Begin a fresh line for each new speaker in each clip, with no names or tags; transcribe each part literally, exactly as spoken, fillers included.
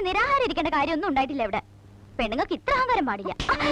നിരാഹാരം ഇരിക്കേണ്ട കാര്യമൊന്നും ഉണ്ടായിട്ടില്ല ഇവിടെ. പെണ്ണുങ്ങൾക്ക് ഇത്ര അഹങ്കാരം പാടില്ല.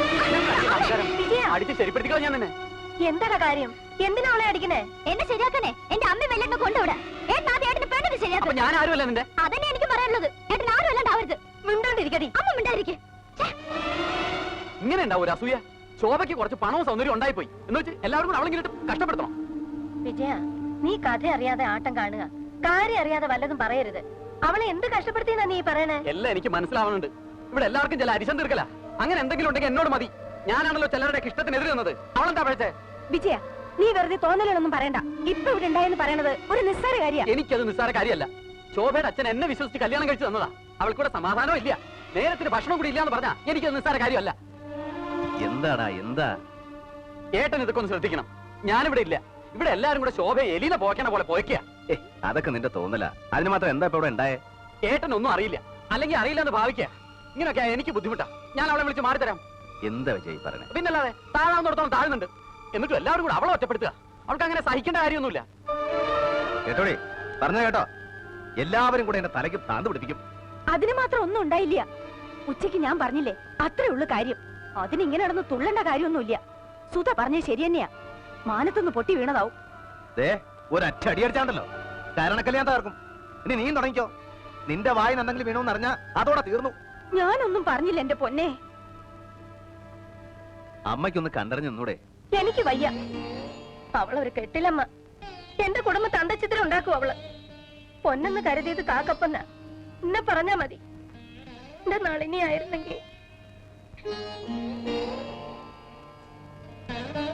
എന്താ കാര്യം? എന്തിനാ അവളെ അടിക്കണേ?
എന്നെ ശരിയാക്കണേ. എന്റെ അമ്മ വെല്ലെണ്ണ കൊണ്ടുവിടെ. ഏട്ടനാദ്യം പെണ്ണിന് ശരിയാക്കും.
ഞാൻ ആരുമല്ല നിന്റെ.
അതന്നെ എനിക്ക് പറയാനുള്ളത്. ഏട്ടൻ ആരും അല്ലാണ്ടാവരുത്.
മിണ്ടാണ്ടിരിക്കടി.
അമ്മ മിണ്ടാതിരിക്കെ.
ഇങ്ങനെ ഉണ്ടാവും ഒരു അസൂയ. ശോഭയ്ക്ക് കുറച്ച് പണവും സൗന്ദര്യം ഉണ്ടായിപ്പോയി എന്ന് വെച്ച് എല്ലാവർക്കും അവളെങ്കിലും കഷ്ടപ്പെടുത്തണം.
വിജയ, നീ കഥ അറിയാതെ ആട്ടം കാണുക. കാര്യം അറിയാതെ വല്ലതും പറയരുത്. അവളെ എന്ത് കഷ്ടപ്പെടുത്തിയെന്നാ നീ പറയണേ?
എല്ലാം എനിക്ക് മനസ്സിലാവുന്നുണ്ട്. ഇവിടെ എല്ലാവർക്കും ചില അരിശം തീർക്കല. അങ്ങനെ എന്തെങ്കിലും ഉണ്ടെങ്കിൽ എന്നോട് മതി. ഞാനാണല്ലോ ചിലരുടെ ഇഷ്ടത്തിനെതിരെ നിന്നത്. അവളെന്താ പഴച്ചേ?
വിജയ, നീ വെറുതെ തോന്നലൊന്നും പറയണ്ട. ഇപ്പൊ ഇവിടെ ഉണ്ടായെന്ന് പറയണത് ഒരു നിസ്സാര കാര്യ.
എനിക്കത് നിസ്സാര കാര്യമല്ല. ശോഭയുടെ അച്ഛൻ എന്നെ വിശ്വസിച്ച് കല്യാണം കഴിച്ചു തന്നതാ. അവൾക്കൂടെ സമാധാനവും ഇല്ല, നേരത്തിന് ഭക്ഷണം കൂടി ഇല്ലാന്ന് പറഞ്ഞാ എനിക്കത് നിസ്സാര കാര്യമല്ല.
എന്താടാ എന്താ?
ഏട്ടൻ ഇതൊക്കെ ഒന്ന് ശ്രദ്ധിക്കണം. ഞാനിവിടെ ഇല്ല. ഇവിടെ എല്ലാരും കൂടെ ശോഭയെ എലീനെ പോക്കണ പോലെ പോയിക്കുക.
അതൊക്കെ നിന്റെ തോന്നല. അതിന് മാത്രം എന്താ ഇപ്പൊ ഇവിടെ ഉണ്ടായേ?
ഏട്ടൻ ഒന്നും അറിയില്ല, അല്ലെങ്കിൽ അറിയില്ല എന്ന് ഭാവിക്കുക. ഇങ്ങനെയൊക്കെ എനിക്ക് ബുദ്ധിമുട്ടാ. ഞാൻ അവളെ വിളിച്ച് മാറിത്തരാം.
എന്താ വിജയ് പറഞ്ഞേ?
പിന്നല്ലാതെ താഴാവുന്നിടത്തോളം താഴുന്നുണ്ട്. എന്നിട്ടും എല്ലാവരും കൂടെ അവളെ ഒറ്റപ്പെടുത്തുക. അവൾക്ക് അങ്ങനെ സഹിക്കേണ്ട കാര്യമൊന്നുമില്ല.
കേട്ടോടി, പറഞ്ഞ കേട്ടോ? എല്ലാവരും കൂടെ എന്റെ തലയ്ക്ക് താന്ത് പിടിപ്പിക്കും.
അതിന് മാത്രം ഒന്നും ഉണ്ടായില്ല. ഉച്ചയ്ക്ക് ഞാൻ പറഞ്ഞില്ലേ, അത്രേ ഉള്ളു കാര്യം. അതിനിങ്ങനെ നടന്ന് തുള്ളേണ്ട കാര്യമൊന്നുമില്ല. സുധ പറഞ്ഞത് ശരി തന്നെയാ. മാനത്തൊന്ന് പൊട്ടി വീണതാവും.
ഒരൊറ്റ അടി അടിച്ചാണ്ടല്ലോ കാരണക്കല്ല ഞാൻ തകർക്കും. ഇനി നീ തുടങ്ങിക്കോ. നിന്റെ വായിന് എന്തെങ്കിലും വീണോന്ന് അറിഞ്ഞാ അതോടെ തീർന്നു.
ഞാനൊന്നും പറഞ്ഞില്ല എന്റെ പൊന്നെ.
അമ്മയ്ക്കൊന്ന് കണ്ടറിഞ്ഞു നിന്നൂടെ?
എനിക്ക് വയ്യ. അവളൊരു കെട്ടിലമ്മ. എന്റെ കുടുംബത്തെ അന്തച്ചിത്രം ഉണ്ടാക്കും അവള്. പൊന്നെന്ന് കരുതിയത് കാക്കപ്പന്ന. എന്നെ പറഞ്ഞാ മതി. എന്റെ നളിനി ആയിരുന്നെങ്കിൽ